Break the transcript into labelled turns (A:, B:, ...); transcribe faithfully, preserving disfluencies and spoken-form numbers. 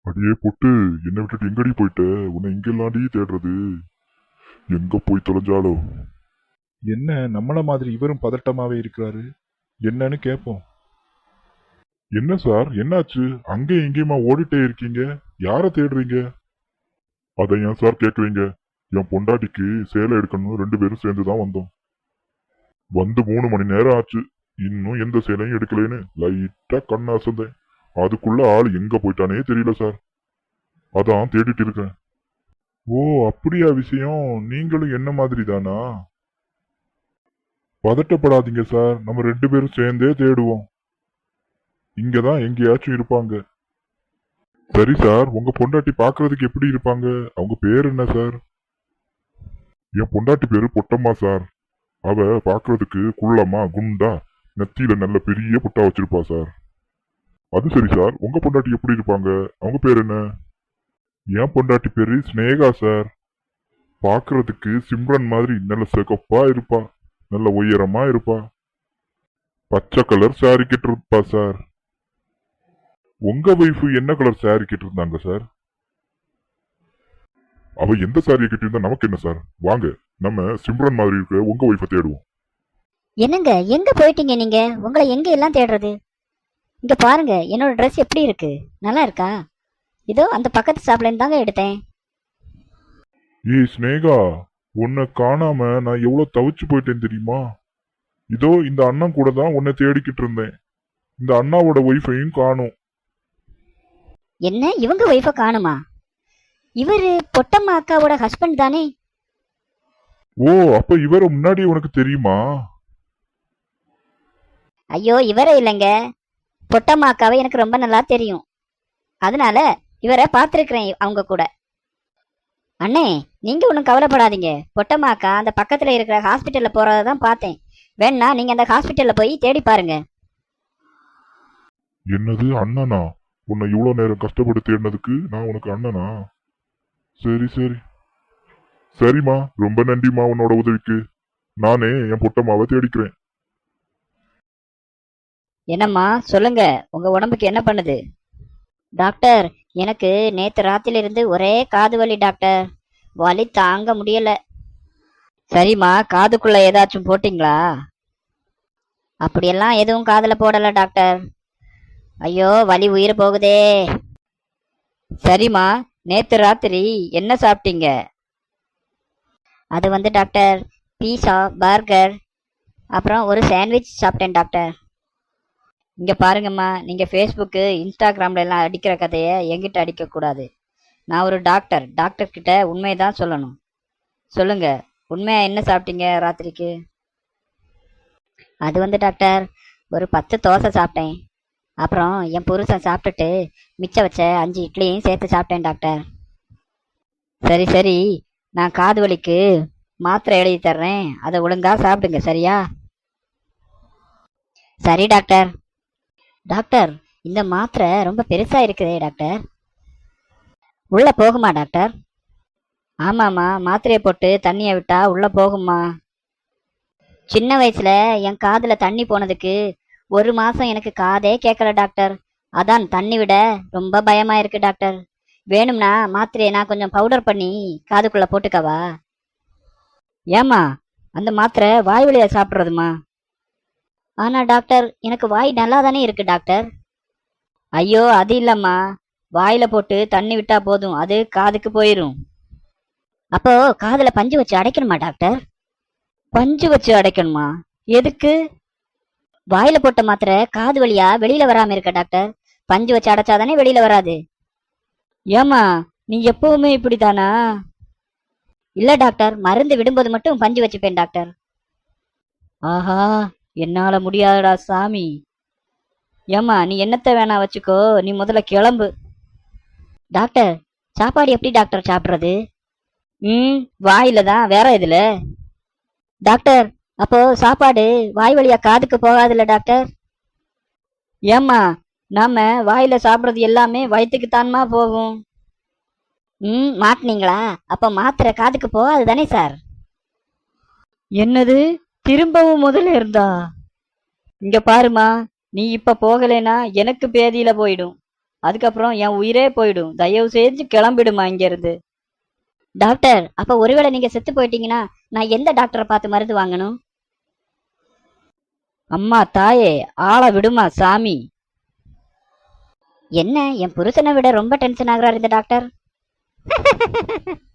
A: அடியே பொட்டு, என்னை விட்டுட்டு எங்கடி போயிட்ட? உன்னை எங்கெல்லாம்டி தேடுறது? எங்க போய் தொலைஞ்சாலோ?
B: என்ன நம்மள மாதிரி இவரும் பதட்டமாவே இருக்கிறாரு? என்னன்னு கேட்போம்.
A: என்ன சார், என்னாச்சு? அங்கேயும் இங்கேயுமா ஓடிட்டே இருக்கீங்க? யார தேடுறீங்க? அதை ஏன் சார் கேக்குறீங்க? என் பொண்டாட்டிக்கு சேலை எடுக்கணும், ரெண்டு பேரும் சேர்ந்துதான் வந்தோம். வந்து மூணு மணி நேரம் ஆச்சு, இன்னும் எந்த சேலையும் எடுக்கலைன்னு லைட்டா கண்ண அசந்தேன். அதுக்குள்ள ஆள் எங்க போயிட்டானே தெரியல சார். அதான் தேடிட்டு இருக்கேன். ஓ, அப்படியா விஷயம்? நீங்களும் என்ன மாதிரி தானா? பதட்டப்படாதீங்க சார், நம்ம ரெண்டு பேரும் சேர்ந்தே தேடுவோம். இங்கதான் எங்கேயாச்சும் இருப்பாங்க. சரி சார், உங்க பொண்டாட்டி பாக்குறதுக்கு எப்படி இருப்பாங்க? அவங்க பேர் என்ன சார்? என் பொண்டாட்டி பேரு பொட்டம்மா சார். அவ பாக்குறதுக்கு குள்ளமா குண்டா, நெத்தியில நல்ல பெரிய புட்டா வச்சிருப்பா சார். அது சரி சார், உங்க பொண்டாட்டி எப்படி இருப்பாங்க? அவங்க பேர் என்ன? என் பொண்டாட்டி பேரு ஸ்னேகா சார். பாக்குறதுக்கு சிம்ரன் மாதிரி நல்ல சிகப்பா இருப்பா, நல்ல உயரமா இருப்பா, பச்சை கலர் சாரி கட்டிருப்பா சார். உங்க வைஃப் என்ன கலர் சாரி கட்டிருந்தாங்க சார்? அவ எந்த சாரியை கட்டியிருந்தா நமக்கு என்ன சார்? வாங்க, நம்ம சிம்ரன் மாதிரி இருக்க உங்க வைஃபை தேடுவோம்.
C: என்னங்க, எங்க போயிட்டீங்க நீங்க? உங்களை எங்க எல்லாம் தேடுறது? இங்க பாருங்க, என்னோட ட்ரெஸ் எப்படி இருக்கு? நல்லா இருக்கா? இதோ அந்த பக்கத்து ஷாப்ல தாங்க எடுத்தேன்.
A: ஏய் ஸ்னேகா, உன்னை காணாம நான் எவ்வளவு தவிச்சு போயிட்டேன் தெரியுமா? இதோ இந்த அண்ணன் கூட தான் உன்னை தேடிக்கிட்டு இருந்தேன். இந்த அண்ணாவோட ஒய்ஃபையும் காணும்.
C: என்ன, இவங்க ஒய்ஃபை காணுமா? இவரு பொட்டம்மா அக்காவோட ஹஸ்பண்ட் தானே?
A: ஓ, அப்ப இவரை முன்னாடி உனக்கு தெரியுமா?
C: ஐயோ, இவரே இல்லைங்க. பொட்டம்மா அக்காவை எனக்கு ரொம்ப நல்லா தெரியும். அதனால இவரை பார்த்துருக்கிறேன் அவங்க கூட. அண்ணே, நீங்க ஒன்றும் கவலைப்படாதீங்க. பொட்டம்மா அக்கா அந்த பக்கத்துல இருக்கிற ஹாஸ்பிட்டல்ல போறதை தான் பார்த்தேன். வேணா நீங்க அந்த ஹாஸ்பிட்டல்ல போய் தேடி பாருங்க.
A: என்னது அண்ணனா? உன்னை இவ்வளவு நேரம் கஷ்டப்பட்டு தேடினதுக்கு நான் உனக்கு அண்ணனா? சரி சரி சரிம்மா, ரொம்ப நன்றிம்மா உன்னோட உதவிக்கு. நானே என் பொட்டம்மாவை தேடிக்கிறேன்.
C: என்னம்மா சொல்லுங்க, உங்க உடம்புக்கு என்ன பண்ணுது? டாக்டர், எனக்கு நேத்து ராத்திரில இருந்து ஒரே காது வலி டாக்டர். வலி தாங்க முடியல. சரிம்மா, காதுக்குள்ள ஏதாச்சும் போட்டீங்களா? அப்படியெல்லாம் எதுவும் காதுல போடல டாக்டர். ஐயோ, வலி உயிர் போகுதே. சரிம்மா, நேத்து ராத்திரி என்ன சாப்பிட்டீங்க? அது வந்து டாக்டர், பீஸா, பர்கர், அப்புறம் ஒரு சாண்ட்விச் சாப்பிட்டேன் டாக்டர். இங்க பாருங்கம்மா, நீங்க ஃபேஸ்புக்கு இன்ஸ்டாகிராம்ல எல்லாம் அடிக்கிற கதையை என்கிட்ட அடிக்க கூடாது. நான் ஒரு டாக்டர். டாக்டர் கிட்ட உண்மைதான் சொல்லணும். சொல்லுங்க, உண்மையா என்ன சாப்பிட்டீங்க ராத்திரிக்கு? அது வந்து டாக்டர், ஒரு பத்து தோசை சாப்பிட்டேன். அப்புறம் என் புருஷன் சாப்பிட்டுட்டு மிச்சம் வச்ச அஞ்சு இட்லியும் சேர்த்து சாப்பிட்டேன் டாக்டர். சரி சரி, நான் காது வலிக்கு மாத்திரை எழுதி தர்றேன், அதை ஒழுங்கா சாப்பிடுங்க, சரியா? சரி டாக்டர். டாக்டர், இந்த மாத்திரை ரொம்ப பெருசா இருக்குதே டாக்டர், உள்ள போகுமா டாக்டர்? ஆமாம்மா, மாத்திரையை போட்டு தண்ணியை விட்டா உள்ள போகுமா. சின்ன வயசுல என் காதுல தண்ணி போனதுக்கு ஒரு மாசம் எனக்கு காதே கேட்கல டாக்டர். அதான் தண்ணி விட ரொம்ப பயமா இருக்கு டாக்டர். வேணும்னா மாத்திரையை நான் கொஞ்சம் பவுடர் பண்ணி காதுக்குள்ள போட்டுக்கவா? ஏமா, அந்த மாத்திரை வாய் வழியா சாப்பிட்றதுமா? ஆனா டாக்டர், எனக்கு வாய் நல்லா தானே இருக்கு டாக்டர். ஐயோ, அது இல்லம்மா, வாயில போட்டு தண்ணி விட்டா போதும், அது காதுக்கு போயிரும். அப்போ காதுல பஞ்சு வச்சு அடைக்கணுமா டாக்டர்? பஞ்சு வச்சு அடைக்கணுமா? எதுக்கு? வாயில போட்ட மாத்திரை காது வழியா வெளியில வராம இருக்க டாக்டர். பஞ்சு வச்சு அடைச்சாதானே வெளியில வராது. ஏமா, நீ எப்பவுமே இப்படித்தானா? இல்ல டாக்டர், மருந்து விடும்போது மட்டும் பஞ்சு வச்சுப்பேன் டாக்டர். ஆஹா, என்னால முடியாதுடா சாமி. ஏமா, நீ என்னத்த வேணா வச்சுக்கோ, நீ முதல்ல கிளம்பு. டாக்டர், சாப்பாடு எப்படி டாக்டர் சாப்பிட்றது? ம் வாயில தான், வேற இதுல. டாக்டர், அப்போ சாப்பாடு வாய் வழியா காதுக்கு போகாதுல்ல டாக்டர்? ஏம்மா, நாம வாயில சாப்பிட்றது எல்லாமே வயிற்றுக்கு தான்மா போகும். ம் மாட்டினீங்களா? அப்போ மாத்திரை காதுக்கு போகாது தானே சார்? என்னது, திரும்பவும் முதல்ல இருந்தா? இங்க பாருமா, நீ இப்ப போகலைன்னா எனக்கு பேதியில போயிடும். அதுக்கப்புறம் என் உயிரே போயிடும். தயவு செஞ்சு கிளம்பிடுமா இங்க இருந்து. டாக்டர், அப்ப ஒருவேளை நீங்க செத்து போயிட்டீங்கன்னா நான் எந்த டாக்டரை பார்த்து மருந்து வாங்கணும்? அம்மா தாயே, ஆளை விடுமா சாமி. என்ன, என் புருஷனை விட ரொம்ப டென்ஷன் ஆகுறாரு இந்த டாக்டர்.